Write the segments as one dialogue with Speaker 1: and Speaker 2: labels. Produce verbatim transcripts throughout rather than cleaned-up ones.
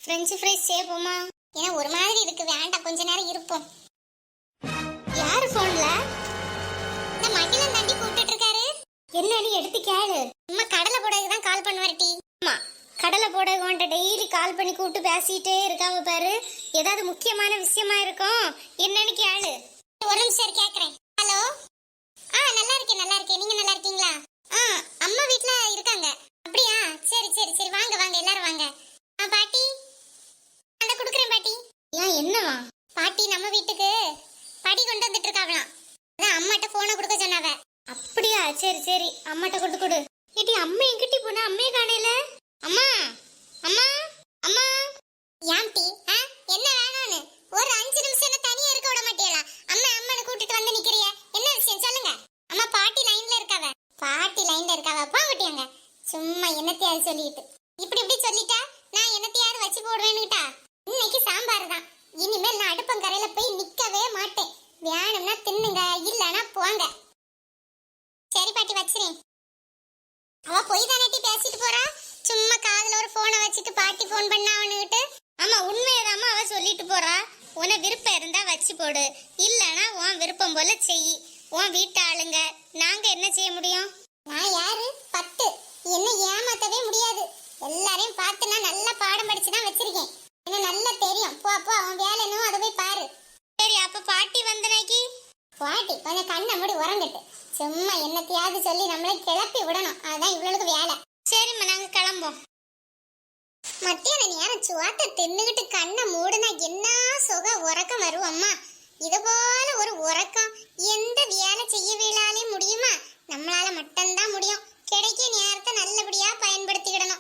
Speaker 1: French fries சேப்போமா? ஏன்னா ஒரு மாதிரி இருக்கு, வேண்டாம், கொஞ்ச நேரம் இருப்போம். யாரு போன்ல? இந்த மகிழன் தாண்டி கூப்பிட்டு இருக்காரு. என்னன்னு எடுத்து கேளு. அம்மா கடலை போடக்கு தான் கால் பண்ணுவார்டி. அம்மா கடலை போடக்கு உன்ட்ட டெய்லி கால் பண்ணி கூப்பிட்டு பேசிட்டே இருக்காம பாரு. ஏதாவது முக்கியமான விஷயமா இருக்கும், என்னன்னு கேளு. ஒரு நிமிஷம் கேக்குறேன். ஹலோ. ஆ நல்லா இருக்கேன் நல்லா இருக்கேன், நீங்க நல்லா இருக்கீங்களா? ஆ அம்மா வீட்ல இருக்காங்க. அப்படியா? சரி சரி சரி, வாங்க வாங்க எல்லாரும் வாங்க. ஆ பாட்டி அந்த குடுக்குறேன் பாட்டி. ஏன் என்னவா? பாட்டி நம்ம வீட்டுக்கு படி கொண்டு வந்துட்டு இருக்காங்களாம். அதான் அம்மாட்ட போனை கொடுக்க சொன்னாவ. அப்படியா? சரி சரி, அம்மாட்ட கொடுத்து கொடு. ஏடி அம்மா எங்கிட்டி போனா? அம்மையே காணையில. அம்மா அம்மா அம்மா. ஏன்டி என்ன வேணும்னு ஒரு அஞ்சு நிமிஷம் என்ன தனியா இருக்க விட மாட்டீங்களா? அம்மா அம்மான்னு கூட்டிட்டு வந்து நிக்கிறிய, என்ன விஷயம் சொல்லுங்க. அம்மா பாட்டி லைன்ல இருக்காவ. பாட்டி லைன்ல இருக்காவ, பாங்கட்டியாங்க. சும்மா என்னத்தையாவது சொல்லிட்டு இப்படி இப்படி சொல்லிட்டா நான் என்னத்தையாவது வச்சு போடுவேன்னுட்டா. இன்னைக்கு சாம்பார் தான். இனிமேல் நான் அடுப்பங்கரையில போய் நிக்கவே மாட்டேன். வேணும்னா தின்னுங்க, இல்லனா போங்க. சரி பாட்டி வச்சிரேன். அவ போய் தானே பேசிட்டு போறா. சும்மா காதுல ஒரு போனை வச்சுட்டு பாட்டி போன் பண்ணா அவனுகிட்ட. ஆமா உண்மையதாம்மா அவ சொல்லிட்டு போறா. உன விருப்பம் இருந்தா வச்சு போடு, இல்லனா உன் விருப்பம் போல செய். உன் வீட்டு ஆளுங்க, நாங்க என்ன செய்ய முடியும்? நான் யாரு? பத்து. என்ன ஏமாத்தவே முடியாது. எல்லாரையும் பார்த்து நான் நல்லா பாடம் படிச்சுதான் வச்சிருக்கேன். எனக்கு நல்லா தெரியும். போ போ, அவன் வேலை என்னவோ அதை போய் பாரு. சரி அப்ப பாட்டி வந்தனைக்கு பாட்டி கொஞ்சம் கண்ணை மூடி உறங்கட்டு. சும்மா என்னத்தையாவது சொல்லி நம்மளை கிளப்பி விடணும், அதுதான் இவ்வளவுக்கு வேலை. சரிம்மா நாங்க கிளம்போம். மத்தியான நேரம் சுவாத்த தின்னுகிட்டு கண்ணை மூடுனா என்ன சுக உறக்கம் வரும் அம்மா. இது போல ஒரு உறக்கம் எந்த வேலை செய்யவில்லாலே முடியுமா? நம்மளால மட்டும்தான் முடியும். கிடைக்க நேரத்தை நல்லபடியா பயன்படுத்திக்கிடணும்.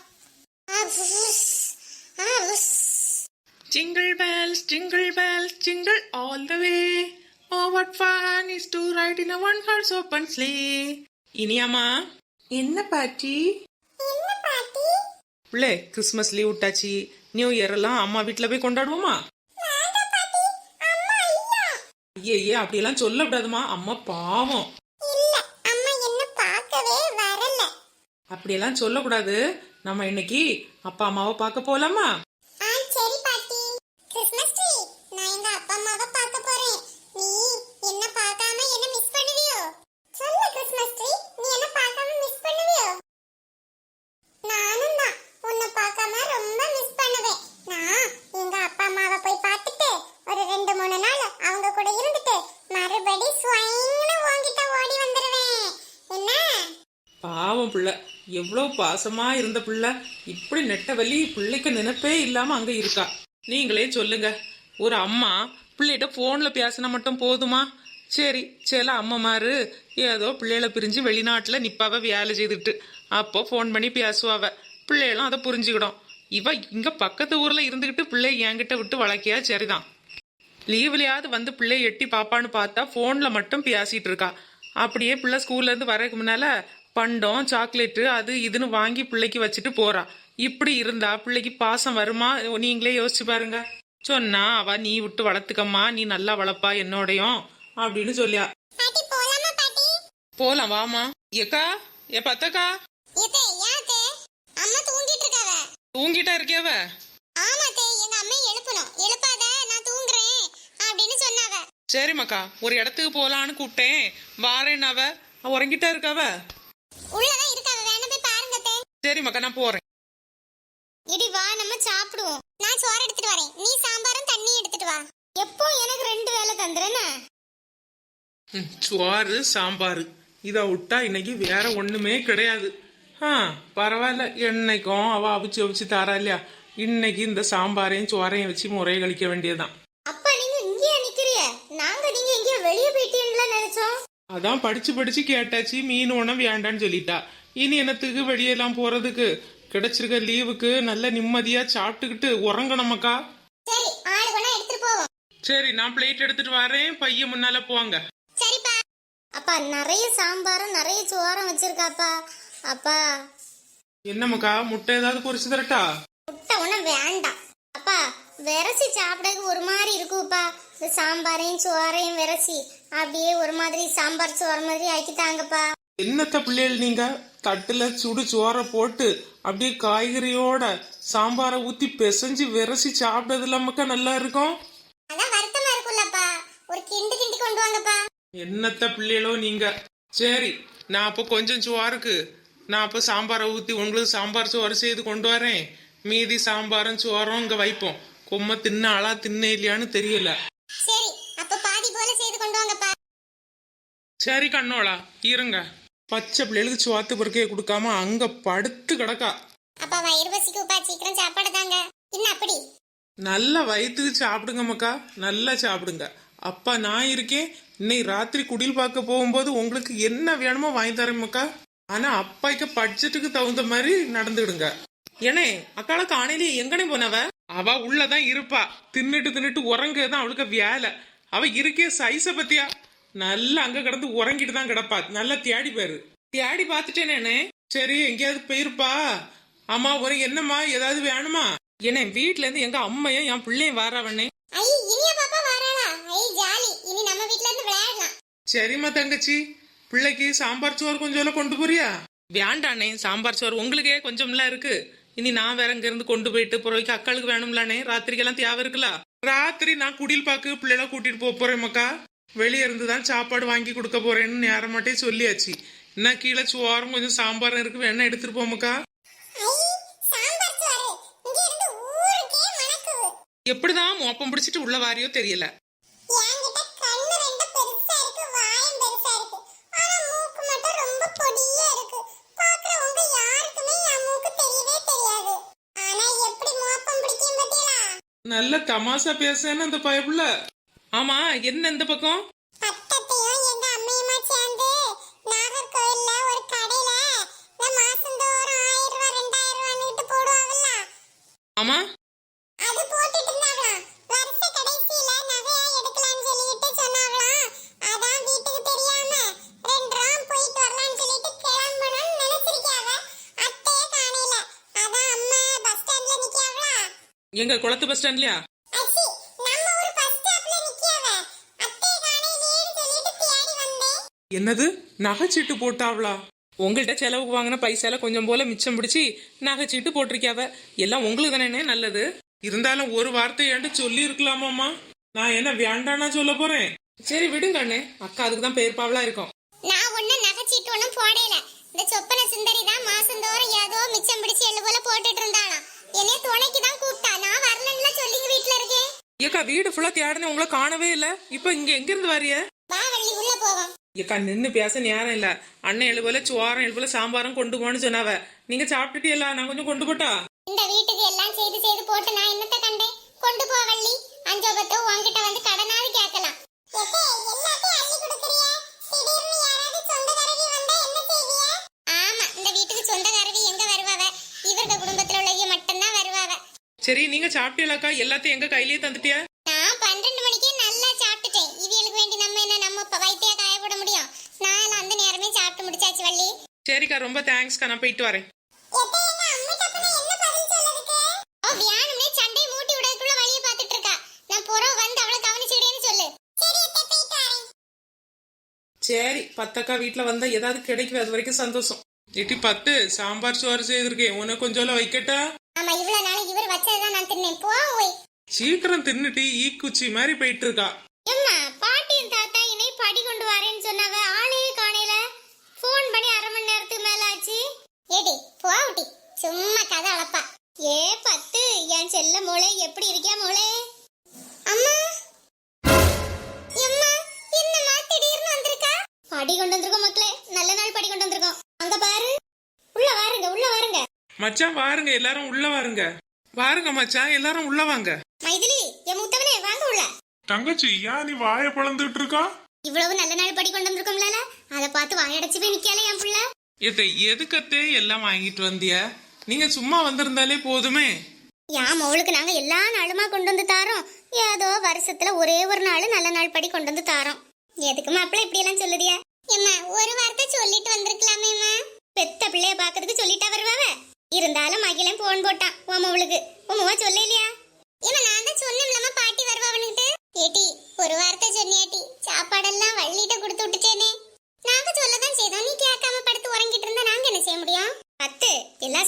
Speaker 2: Jingle bells, jingle bells, jingle all the way. Oh, what fun is to ride in a one-horse open sleigh. இனியாமா என்ன பாட்டி?
Speaker 1: என்ன பாட்டி?
Speaker 2: பிள்ளை கிறிஸ்மஸ் லீவ் விட்டாச்சு, நியூ இயர் எல்லாம் அம்மா வீட்டுல போய் கொண்டாடுவோமா? ஐயே ஐயே அப்படியெல்லாம் சொல்லக்கூடாதுமா, அம்மா பாவம். அப்படியெல்லாம் சொல்லக்கூடாது. நம்ம இன்னைக்கு அப்பா அம்மாவை பார்க்க போலாமா?
Speaker 1: சரி பாட்டி. கிறிஸ்மஸ் ட்ரீ, நான் எங்க அப்பா அம்மாவை பார்க்க போறேன். நீ என்ன பார்க்காம என்ன மிஸ் பண்ணுவியோ? சொல்லு கிறிஸ்மஸ் ட்ரீ, நீ என்ன பார்க்காம மிஸ் பண்ணுவியோ? நானும் தான் உன்னை பார்க்காம ரொம்ப மிஸ் பண்ணுவேன். நான் எங்க அப்பா அம்மாவை போய் பார்த்துட்டு ஒரு ரெண்டு மூணு நாள் அவங்க கூட இருந்துட்டு மறுபடி ஸ்வைன்னு உன்கிட்ட ஓடி வந்துருவேன். என்ன?
Speaker 2: பாவம் பிள்ளை, எவ்வளவு பாசமா இருந்த பிள்ளை இப்படி நெட்டவலி பிள்ளைக்கு நினைப்பே இல்லாம அங்க இருக்கா. நீங்களே சொல்லுங்க, ஒரு அம்மா பிள்ளைகிட்ட போன்ல பேசினா மட்டும் போதுமா? சரி சில அம்மாமாரு ஏதோ பிள்ளைகளை பிரிஞ்சு வெளிநாட்டுல நிப்பாவ வேலை செய்துட்டு அப்போ போன் பண்ணி பேசுவாவ, பிள்ளைகளும் அதை புரிஞ்சுக்கிடும். இவ இங்க பக்கத்து ஊர்ல இருந்துகிட்டு பிள்ளை என்கிட்ட விட்டு வளர்க்கியா சரிதான். லீவ்லயாவது வந்து பிள்ளை எட்டி பாப்பான்னு பார்த்தா போன்ல மட்டும் பேசிட்டு இருக்கா. அப்படியே பிள்ளை ஸ்கூல்ல இருந்து வரதுக்கு முன்னால பண்டம் சாக்லேட்டு அது இதுன்னு வாங்கி பிள்ளைக்கு வச்சுட்டு போறா. இப்படி இருந்தா பிள்ளைக்கு பாசம் வருமா? நீங்களே யோசிச்சு பாருங்க. சொன்னா அவ நீ விட்டு வளர்த்துக்கம்மா, நீ நல்லா வளர்ப்பா என்னோடையும் அப்படின்னு சொல்லியா. போலாம் வாமா. ஏக்கா ஏ பத்தக்கா தூங்கிட்டா இருக்கியாவ? சரிம்மாக்கா ஒரு இடத்துக்கு போலான்னு கூப்பிட்டேன், வாரேன். அவ உறங்கிட்டா இருக்காவ? சரிம்மாக்கா நான் போறேன்.
Speaker 1: இடி வா நம்ம சாப்பிடுவோம். நான் சோறு எடுத்துட்டு வரேன், நீ சாம்பாரும் தண்ணி எடுத்துட்டு வா. எப்போ எனக்கு ரெண்டு வேளை தந்துறேன்னு.
Speaker 2: சோறு சாம்பார் இதை விட்டா இன்னைக்கு வேற ஒண்ணுமே கிடையாது. ஆ பரவாயில்ல, என்னைக்கும் அவ அவிச்சு அவிச்சு தாரா இல்லையா, இன்னைக்கு இந்த சாம்பாரையும் சோறையும் வச்சு முறையை கழிக்க வேண்டியதுதான்.
Speaker 1: அப்பா நீங்க இங்கேயே நிக்கிறிய, நாங்க நீங்க இங்கே வெளியே போயிட்டீங்களா நினைச்சோம்.
Speaker 2: அதான் படிச்சு படிச்சு கேட்டாச்சு, மீன் உணவு வேண்டான்னு சொல்லிட்டா. இனி என்னத்துக்கு வெளியெல்லாம் போறதுக்கு? கிடைச்சிருக்க லீவுக்கு நல்ல நிம்மதியா சாப்பிட்டுக்கிட்டு உறங்கணுமக்கா.
Speaker 1: சரி ஆளு வேணா எடுத்துட்டு போவோம்.
Speaker 2: சரி நான் பிளேட் எடுத்துட்டு வரேன், பையன் முன்னால போவாங்க.
Speaker 1: சரிப்பா. அப்பா நிறைய சாம்பாரும் நிறைய சோறும் வச்சிருக்காப்பா. அப்பா
Speaker 2: என்னமக்கா முட்டை ஏதாவது பொரிச்சு தரட்டா?
Speaker 1: முட்டை ஒண்ணும் வேண்டாம் அப்பா, விரசி சாப்பிடக்கு ஒரு மாதிரி இருக்குப்பா. இந்த சாம்பாரையும் சோறையும் விரசி அப்படியே ஒரு மாதிரி சாம்பார் சோறு மாதிரி ஆக்கி தாங்கப்பா.
Speaker 2: என்னத்த பிள்ளைகள் நீங்க தட்டுல சுடு சோறை போட்டு அப்படியே காய்கறியோட சாம்பாரை ஊத்தி பிசைஞ்சு விரசி சாப்பிட்டது இல்லாமக்கா நல்லா இருக்கும்.
Speaker 1: அதான் வருத்தமா இருக்குல்லப்பா, ஒரு கிண்டு கிண்டி கொண்டு வாங்கப்பா.
Speaker 2: என்னத்த பிள்ளைகளோ நீங்க. சரி, நான் அப்போ கொஞ்சம் சோறுக்கு நான் அப்போ சாம்பாரை ஊத்தி உங்களுக்கு சாம்பார் சோறு செய்து கொண்டு வரேன். மீதி சாம்பாரும் சோறும் இங்க வைப்போம். கொம்ம தின்ன ஆளா தின்ன இல்லையான்னு தெரியல.
Speaker 1: சரி, அப்ப பாதி போல செய்து கொண்டு வாங்கப்பா.
Speaker 2: சரி கண்ணோளா இருங்க. பச்சை பிள்ளைகளுக்கு சோத்து பொறுக்கையை கொடுக்காம அங்க படுத்து கிடக்கா.
Speaker 1: அப்பா வயிறு பசிக்குப்பா, சீக்கிரம் சாப்பாடு தாங்க. என்ன அப்படி?
Speaker 2: நல்ல வயிற்றுக்கு சாப்பிடுங்க மக்கா, நல்லா சாப்பிடுங்க. அப்பா நான் இருக்கேன். இன்னைக்கு ராத்திரி குடில் பார்க்க போகும்போது உங்களுக்கு என்ன வேணுமோ வாங்கி தரேன் மக்கா. ஆனா அப்பாய்க்கு பட்ஜெட்டுக்கு தகுந்த மாதிரி நடந்துடுங்க. ஏனே அக்கால காணையிலேயே எங்கனே போனவ? அவ உள்ளதான் இருப்பா. தின்னுட்டு தின்னுட்டு உறங்குதான் அவளுக்கு வேலை. அவ இருக்கே சைஸ பத்தியா? நல்லா அங்க கிடந்து உறங்கிட்டு தான் கிடப்பா. நல்லா தேடி பாரு. தேடி பார்த்துட்டேனே. சரி, எங்கேயாவது போயிருப்பா. அம்மா ஒரு என்னம்மா ஏதாவது வேணுமா? ஏன்னா வீட்டுல இருந்து எங்க அம்மையும் என் பிள்ளையும் வாராவண்ணே.
Speaker 1: ஐ இனிய பாப்பா வராளா? ஐ ஜாலி, இனி நம்ம வீட்ல இருந்து விளையாடலாம்.
Speaker 2: சரிம்மா தங்கச்சி, பிள்ளைக்கு சாம்பார் சோறு கொஞ்சம் கொண்டு போறியா? வேண்டாண்ணே, சாம்பார் சோறு உங்களுக்கே கொஞ்சம்லாம் இருக்கு. இனி நான் வேற இங்க இருந்து கொண்டு போயிட்டு புறவைக்கு அக்காளுக்கு வேணும்லானே. ராத்திரிக்கெல்லாம் தேவை இருக்குல்ல. ராத்திரி நான் குடில் பாக்கு பிள்ளைல கூட்டிட்டு போக போறேன் மக்கா. வெளியே இருந்துதான் சாப்பாடு வாங்கி கொடுக்க போறேன்னு நேரம் மாட்டே சொல்லியாச்சு. என்ன கீழே சோறும் கொஞ்சம் சாம்பாரும் இருக்கு, வேணா எடுத்துட்டு போமக்கா. எப்படிதான் மோப்பம் பிடிச்சிட்டு உள்ள வாரியோ தெரியல. நல்ல தமாசா பேசுன்னு அந்த பயப்புல. ஆமா, என்ன இந்த பக்கம்? ஆமா, எங்க குளத்து பஸ் ஸ்டாண்ட்லயா? என்னது நகைச்சீட்டு போட்டாவளா? உங்கள்கிட்ட செலவுக்கு வாங்கின பைசால கொஞ்சம் போல மிச்சம் பிடிச்சி நகைச்சீட்டு போட்டிருக்காவ. எல்லாம் உங்களுக்கு தானே நல்லது. இருந்தாலும் ஒரு வார்த்தை ஏன்ட்டு சொல்லி இருக்கலாமாமா? நான் என்ன வேண்டானா சொல்ல போறேன். சரி விடுங்க அண்ணே, அக்கா அதுக்கு தான் பெயர்ப்பாவலா இருக்கும்.
Speaker 1: நான் ஒண்ணு நகைச்சீட்டு ஒண்ணும் போடல. இந்த சொப்பன சுந்தரி தான் மாசந்தோறும் ஏதோ மிச்சம் பிடிச்சி எள்ளு போல போட்டுட்டு இருந்தாளாம். என்னைய துணைக்கு தான் கூப்பிட்டா. நான் வரலன்னு சொல்லிங்க வீட்டுல இருக்கேன்.
Speaker 2: ஏக்கா வீடு ஃபுல்லா தேடின உங்களை காணவே இல்ல. இப்ப இங்க எங்க இருந்து வாரிய?
Speaker 1: வா வள்ளி, உள்ள போவோம்.
Speaker 2: ஏக்கா நின்னு பேச நேரம் இல்ல. அண்ணன் எழுபோல சோரம் எழுபோல சாம்பாரும் கொண்டு போன்னு சொன்னாவ. நீங்க சாப்பிட்டுட்டீங்களா? நான் கொஞ்சம் கொண்டு போட்டா?
Speaker 1: இந்த வீட்டுக்கு எல்லாம் செய்து செய்து போட்டு நான் என்னத்த கண்டேன்? கொண்டு போ வள்ளி. அஞ்சோபத்தோ உன்கிட்ட வந்து கடனாவது கேட்கலாம். ஆமா, இந்த வீட்டுக்கு சொந்தக்காரவி எங்க வருவாவ? இவരുടെ குடும்பத்துல உள்ளவங்க மட்டும்தான் வருவாவ.
Speaker 2: சரி, நீங்க சாப்பிட்டீங்களாக்கா? எல்லாத்தையும் எங்க கையிலேயே தந்துட்டியா?
Speaker 1: நான் பன்னெண்டு மணிக்கே நல்லா சாப்பிட்டுட்டேன். இவங்களுக்கு வேண்டி நம்ம என்ன நம்ம வயித்தையா காய போட முடியும்? நான் அந்த நேரமே சாப்பிட்டு முடிச்சாச்சு வள்ளி.
Speaker 2: சரிக்கா, ரொம்ப தேங்க்ஸ்க்கா. நான் போயிட்டு வரேன்.
Speaker 1: வியானமே சண்டை மூட்டி விடக்குள்ள வழிய பாத்துட்டு இருக்கா. நான் புறம் வந்து அவளை கவனிச்சுடேன்னு சொல்லு.
Speaker 2: சரி, பத்தக்கா வீட்டுல வந்தா ஏதாவது கிடைக்கும், அது வரைக்கும் சந்தோஷம். எட்டி பத்து சாம்பார் சோறு செய்திருக்கேன், உனக்கு கொஞ்சம் வைக்கட்டா?
Speaker 1: ஆமா, இவ்வளவு நாள் இவர் வச்சதான் நான் தின்னேன். போ ஓய்.
Speaker 2: சீக்கிரம் தின்னுட்டு ஈ குச்சி மாதிரி போயிட்டு இருக்கா.
Speaker 1: அம்மா, பாட்டியும் தாத்தா என்னை படி கொண்டு வரேன்னு சொன்னவ ஆளையே காணையில. போன் பண்ணி அரை மணி நேரத்துக்கு மேல ஆச்சு. ஏடி போவுட்டி, சும்மா கதை அளப்பா. ஏ பத்து, என் செல்ல மோளே எப்படி இருக்கியா மோளே? அம்மா அம்மா, என்னம்மா திடீர்னு வந்திருக்கா? படி கொண்டு வந்திருக்கோம் மக்களே, நல்ல நாள் படி கொண்டு வந்திருக்கோம். அங்க பாரு, உள்ள வாருங்க உள்ள வாருங்க.
Speaker 2: மச்சான் வாருங்க, எல்லாரும் உள்ள வாருங்க. வாருங்க மச்சான், எல்லாரும் உள்ள வாங்க.
Speaker 1: மைதிலி, என் மூத்தவனே வாங்க உள்ள.
Speaker 2: தங்கச்சி, ஏன் நீ வாயை பழந்துட்டு இருக்கா?
Speaker 1: இவ்வளவு நல்ல நாள் படி கொண்டு வந்திருக்கோம்ல, அதை பார்த்து வாயடைச்சு போய் நிக்கல என் புள்ள.
Speaker 2: இதை எதுக்கத்தே எல்லாம் வாங்கிட்டு வந்திய? நீங்க சும்மா வந்திருந்தாலே போதுமே.
Speaker 1: யாம் அவளுக்கு நாங்க எல்லா நாளுமா கொண்டு வந்து தாரோம். ஏதோ வருஷத்துல ஒரே ஒரு நாள் நல்ல நாள் படி கொண்டு வந்து தாரோம். எதுக்கு மாப்பிள்ள இப்படி எல்லாம் சொல்லுதியா? ஏம்மா, ஒரு வார்த்தை சொல்லிட்டு வந்திருக்கலாமேம்மா. பெத்த பிள்ளைய பாக்கிறதுக்கு சொல்லிட்டா வருவாவ. இருந்தாலும் மகிழன் போன் போட்டான் உன் அவளுக்கு. உமா சொல்ல இல்லையா? ஏமா, நான் தான் சொன்னேன்லம்மா பாட்டி வருவாவனுக்கிட்டு. ஏட்டி, ஒரு வார்த்தை சொன்னியாட்டி, சாப்பாடெல்லாம் வள்ளிட்ட கொடுத்து விட்டுட்டேனே. நாங்க சொல்லதான் செய்தோம், நீ கேட்காம படுத்து உறங்கிட்டு இருந்தா நாங்க என்ன செய்ய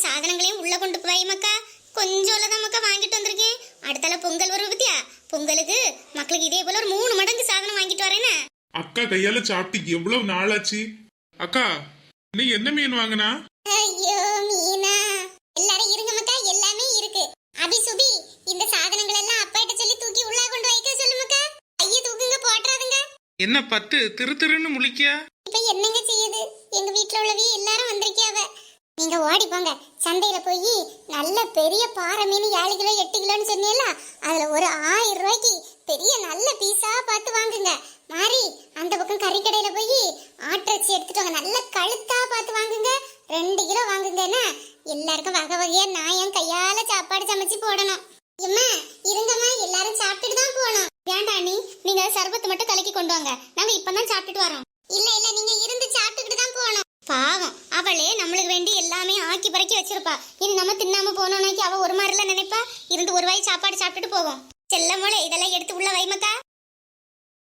Speaker 1: சாதனங்களையும் உள்ள கொண்டு போய் மக்கா. கொஞ்சம் தான் மக்கா வாங்கிட்டு வந்திருக்கேன். அடுத்தால பொங்கல் வரும் பத்தியா, பொங்கலுக்கு மக்களுக்கு இதே போல ஒரு மூணு மடங்கு சாதனம் வாங்கிட்டு வரேன்னு.
Speaker 3: அக்கா கையால சாப்பிட்டு எவ்வளவு நாளாச்சு. அக்கா நீ என்ன மீன் வாங்கினா?
Speaker 1: ஐயோ மீனா, எல்லாரும் இருங்க மக்கா, எல்லாமே இருக்கு. அபி சுபி, இந்த சாதனங்கள் எல்லாம் அப்பாட்ட சொல்லி தூக்கி உள்ள கொண்டு வைக்க சொல்லு மக்கா. ஐய தூக்குங்க, போட்றாதுங்க.
Speaker 2: என்ன பத்து திரு திருன்னு முழிக்கியா?
Speaker 1: இப்ப என்னங்க செய்யுது, எங்க வீட்டுல உள்ளவி எல்லாரும் வந்திருக்கியாவ. நீங்க ஓடி போங்க, சந்தையில போய் நல்ல பெரிய பாறை மீன் ஏழு கிலோ எட்டு கிலோன்னு சொன்னீல, அதுல ஒரு ஆயிரம் ரூபாய்க்கு பெரிய நல்ல பீஸா பார்த்து வாங்குங்க. மாறி அந்த பக்கம் கறிக்கடையில போய் ஆட்டிறைச்சி எடுத்துட்டு வாங்க, நல்ல கழுத்தா பார்த்து வாங்குங்க. ரெண்டு கிலோ வாங்குங்கன்னா எல்லாருக்கும் வகை வகையா நான் என் கையால சாப்பாடு சமைச்சு போடணும். இம்மா இருங்கம்மா, எல்லாரும் சாப்பிட்டுட்டு தான் போகணும். வேண்டாம் நீ, நீங்க சர்பத்து மட்டும் கலக்கி கொண்டு வாங்க, நாங்க இப்பதான் சாப்பிட்டுட்டு வரோம். இல்ல இல்ல, நீங்க இருந்து சாப்பிட்டுக்கிட்டு தான் போகணும். பாவம், அவளே நம்மளுக்கு வேண்டி எல்லாமே ஆக்கி பறக்கி வச்சிருப்பா. இனி நம்ம தின்னாம போனோம்னாக்கி அவ ஒரு மாதிரில நினைப்பா. இருந்து ஒரு வாய் சாப்பாடு சாப்பிட்டுட்டு போவோம். செல்லமோளே, இதெல்லாம் எடுத்து உள்ள வைமக்கா.